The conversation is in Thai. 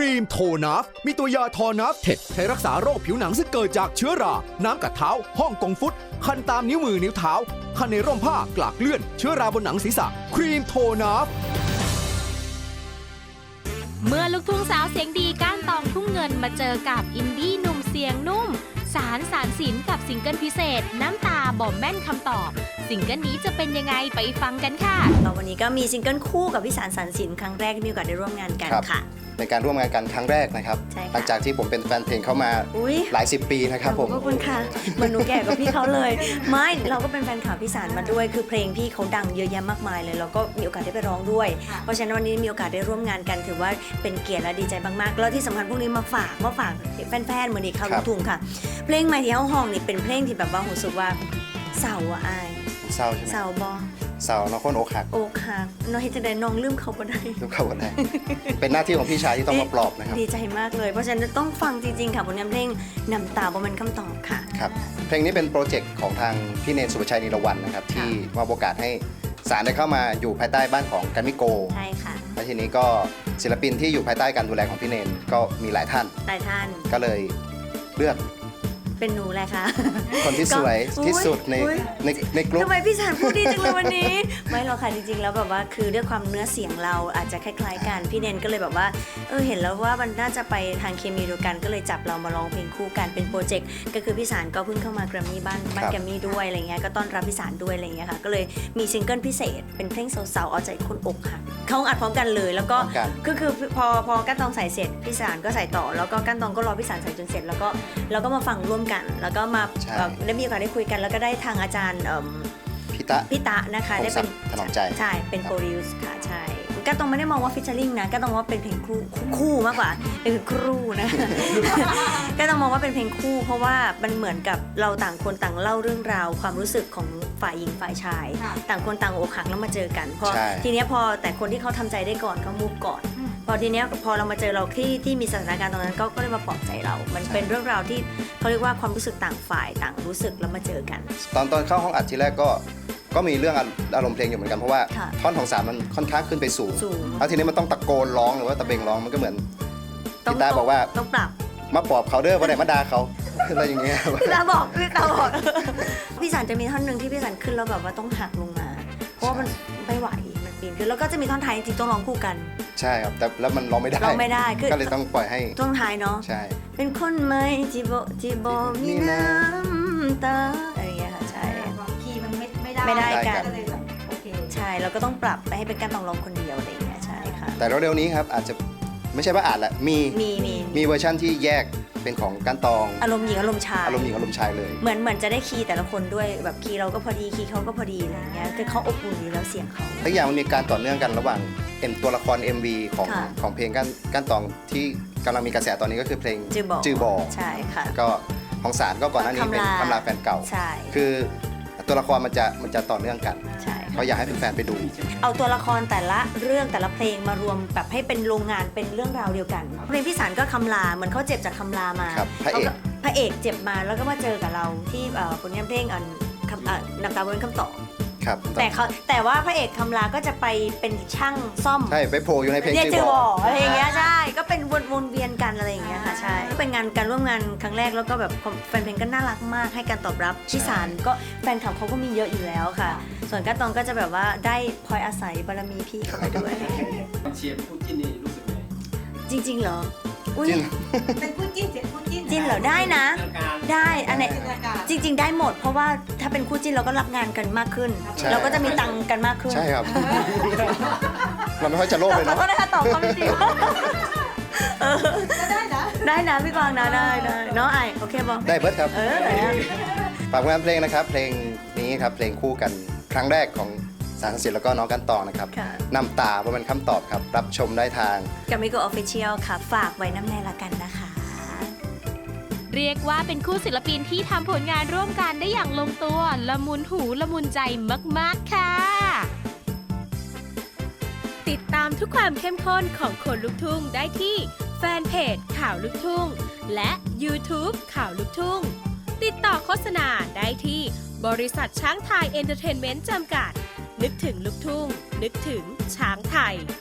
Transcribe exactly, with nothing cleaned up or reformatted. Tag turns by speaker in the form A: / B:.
A: รีมโทนัฟมีตัวยาทอนัฟเท็ดใช้รักษาโรคผิวหนังซึ่งเกิดจากเชื้อรา น้ำกัดเท้าห้องกงฟุตคันตามนิ้วมือนิ้วเท้าคันในร่มผ้ากลากเลื่อนเชื้อราบนหนังศีรษะครีมโทนัฟ
B: เมื่อลูกทุ่งสาวเสียงดีก้านตองทุ่งเงินมาเจอกับอินดี้หนุ่มเสียงนุ่มสารสารสินกับซิงเกิลพิเศษน้ำตาบ่แม่นคำตอบซิงเกิลนี้จะเป็นยังไงไปฟังกันค่ะ
C: วันนี้ก็มีซิงเกิลคู่กับพี่สารสารสินครั้งแรกที่มีโอกาสได้ร่วมงานกันค่ะ
D: ในการร่วมงานกันครั้งแรกนะครับหลังจากที่ผมเป็นแฟนเพลงเข้ามาหลายสิบปีนะครับผม
C: ขอบคุณค่ะเหมือนหนูแก่กับพี่เขาเลยไม่เราก็เป็นแฟนข่าวพี่สารมาด้วยคือเพลงพี่เขาดังเยอะแยะมากมายเลยแล้วก็มีโอกาสได้ไปร้องด้วยเพราะฉะนั้นวันนี้มีโอกาสได้ร่วมงานกันถือว่าเป็นเกียรติและดีใจมากๆแล้วที่สำคัญพวกนี้มาฝากมาฝากแฟนๆเหมือนอีกคราวลูกทุ่งค่ะเพลงใหม่ที่เฮาห้องนี่เป็นเพลงที่แบบว่ารู้สึกว่าเศร้าอ่ะอาย
D: เศร้าใช่ไหม
C: เศร้าบอ
D: เศร้าน้องคนอกหัก
C: อกหักน้องเฮจะได้น้องลืมเขาบ่ได้
D: ลืมเขาบ่ได้เป็นหน้าที่ของพี่ชายที่ต้องมาปลอบนะครับ
C: ดีใจมากเลยเพราะฉะนั้นต้องฟังจริงๆค่ะผลงานเพลงน้ำตาบ่แม่นคำตอบค่ะ
D: ครับเพลงนี้เป็นโปรเจกต์ของทางพี่เนนสุภชัยนิรวรรณนะครับที่มอบโอกาสให้สารได้เข้ามาอยู่ภายใต้บ้านของกัมมิโก
C: ใช่ค่ะ
D: และทีนี้ก็ศิลปินที่อยู่ภายใต้การดูแลของพี่เนนก็มีหลายท่าน
C: หลายท่าน
D: ก็เลยเลือก
C: เป็นหนูแหละค่ะ
D: คนที่สวยที่สุดในในในกลุ่ม
C: ทำไมพี่สารพูดดีจังเลยวันนี้ไม่หรอกค่ะจริงๆแล้วแบบว่าคือด้วยความเนื้อเสียงเราอาจจะคล้ายๆกันพี่เนนก็เลยแบบว่าเออเห็นแล้วว่ามันน่าจะไปทางเคมีเดียวกันก็เลยจับเรามาร้องเพลงคู่กันเป็นโปรเจกต์ก็คือพี่สารก็เพิ่งเข้ามาแกรมมี่บ้านบ้านแกรมมี่ด้วยอะไรเงี้ยก็ต้อนรับพี่สารด้วยอะไรเงี้ยค่ะก็เลยมีซิงเกิลพิเศษเป็นเพลงสาวๆเอาใจคนอกหักเขาอัดพร้อมกันเลยแล้วก็คือคือพอพอก้านตองใส่เสร็จพี่สารก็ใส่ต่อแล้วก็ก้านตองก็รอพี่สารใส่จนเสร็จแล้วก็แล้วก็มาฟังร่วมกันแล้วก็มาได้มีโอกาสได้คุยกันแล้วก็ได้ทางอาจารย์
D: พิตะ
C: พิตะนะคะได้เป็น
D: ถนอมใจ
C: ใช่เป็นโปรดิวซ์ค่ะใช่ก็ต้องไม่ได้มองว่าฟิชเชอร์ลิงนะก็ต้องว่าเป็นเพลงคู่คู่มากกว่าเป็นครูนะก็ต้องมองว่าเป็นเพลงคู่เพราะว่ามันเหมือนกับเราต่างคนต่างเล่าเรื่องราวความรู้สึกของฝ่ายหญิงฝ่ายชายต่างคนต่างอกหักแล้วมาเจอกันพอทีนี้พอแต่คนที่เขาทำใจได้ก่อนเขามูฟก่อนพอทีนี้พอเรามาเจอเราที่ที่มีสถานการณ์ตรงนั้นก็ก็เลยมาปลอบใจเรามันเป็นเรื่องราวที่เขาเรียกว่าความรู้สึกต่างฝ่ายต่างรู้สึกแล้วมาเจอกัน
D: ตอนตอนเข้าห้องอัดทีแรกก็ก็มีเรื่องอารมณ์เพลงอยู่เหมือนกันเพราะว่าท่อนของสามมันค่อนข้างขึ้นไปสูงแล้วทีนี้มันต้องตะโกนร้องหรือว่าตะเบงร้องมันก็เหมือนพี่ตาบอกว่า
C: ต้องปรับ
D: มาปลอบเขาเด้อว่าไหนมาด่าเขาอะไรอย่างเงี้ย
C: พี่ตาบอกพี่ตาบอกพี่สันจะมีท่อนหนึ่งที่พี่สันขึ้นแล้วแบบว่าต้องหักลงมาเพราะว่ามันไม่ไหวมันปีนขึ้นแล้วก็จะมีท่อนท้ายจริงๆต้องร้องคู่กัน
D: ใช่ครับแต่แล้วมันร้องไม่ได้
C: ร้องไม่ได้
D: ก็เลยต้องปล่อยให้
C: ท่อนท้ายเนาะ
D: ใช่
C: เป็นคนไม่จีบจีบมีน้ำตาอะไรอย่างเงี้ยค่ะใช่
E: คีย์มันไม่ไม่ได้
C: ไม่ได้กัน
E: โอเค
C: ใช่แล้วก็ต้องปรับไปให้เป็นการต้องร้องคนเดียวอะไรอย่างเงี้ยใช่ค่ะ
D: แต่เร็วๆนี้ครับอาจจะไม่ใช่ว่าอาจแหละมี
C: มีมี
D: มีเวอร์ชั่นที่แยกเป็นของก้านตอง
C: อารมณ์หญิงอารมณ์ชาย
D: อารมณ์หญิงอารมณ์ชายเลย
C: เหมือนเหมือนจะได้คีย์แต่ละคนด้วยแบบคีย์เราก็พอดีคีย์เขาก็พอดีอะไรอย่างเงี้ยคือเขาอบอุ่นอยู่แล้วเสียงเขา
D: ทุกอย่างมันมีการต่อเนื่องกันระหว่างเอ็มตัวละคร เอ็ม วี ของของเพลงก้านก้านตองที่กำลังมีกระแสตอนนี้ก็คือเพลง
C: จื
D: อบอก
C: ใช่ค่ะ
D: ก็ของสารก็ก่อนหน้านี้เป็นคำลาแฟนเก่า
C: ใช่
D: คือตัวละครมันจะมันจะต่อเนื่องกันเขาอยากให้แฟนๆไปดู
C: เอาตัวละครแต่ละเรื่องแต่ละเพลงมารวมแบบให้เป็นโรงงานเป็นเรื่องราวเดียวกันเพลงพี่สารก็คำลาเหมือนเขาเจ็บจากคำลามา
D: พระเอก
C: พระเอกเจ็บมาแล้วก็มาเจอกับเราที่ผลงานเพลงอันน้ำตาบนคำตอบแต่เขาแต่ว่าพระเอกคำลาก็จะไปเป็นช่างซ่อม
D: ใช่ไปโผล่อยู่ในเพลง
C: จือบอกอะไรอย่างเงี้ยใช่ก็เป็นวนเวียนกันอะไรอย่างเงี้ยค่ะใช่ก็เป็นงานการร่วมงานครั้งแรกแล้วก็แบบแฟนเพลงก็น่ารักมากให้การตอบรับพี่สารก็แฟนคลับเขาก็มีเยอะอยู่แล้วค่ะส่วนก้านตองก็จะแบบว่าได้พลอยอาศัยบารมีพี่เขาไปด้วย
F: เชียร์คู่จิ้นนี่รู้สึกไง
C: จริงๆเหรอ
D: อุ้ย
E: เป็นคู่จิ้นเจ็ดคู่จิ้น
C: จิ้นเหรอได้นะได้อันไหนจริงๆได้หมดเพราะว่าถ้าเป็นคู่จิ้นเราก็รับงานกันมากขึ้นเราก็จะมีตังค์กันมากขึ้น
D: ใช่ครับเราไม่ค่อยจะโลภเลยนะ
C: ขอโทษนะคะตอบคำจริง
E: ได้นะ
C: ได้นะพี่กวางนะได้ได้เนาะไอโอเคบอ
D: ได้เบิร์ดครับ
C: เออไหน
D: ฝากงานเพลงนะครับเพลงนี้ครับเพลงคู่กันครั้งแรกของสารสินแล้วก็น้องก้านตองนะครับน้ำตาเป็นคำตอบครับรับชมได้ทาง
C: กัมมิโกออฟฟิเชียลค่ะฝากไว้น้ำแน่ละกันนะคะ
B: เรียกว่าเป็นคู่ศิลปินที่ทำผลงานร่วมกันได้อย่างลงตัวละมุนหูละมุนใจมากๆค่ะติดตามทุกความเข้มข้นของคนลุกทุ่งได้ที่แฟนเพจข่าวลุกทุ่งและ YouTube ข่าวลุกทุ่งติดต่อโฆษณาได้ที่บริษัทช้างไทยเอนเตอร์เทนเมนต์จำกัดนึกถึงลุกทุ่งนึกถึงช้างไทย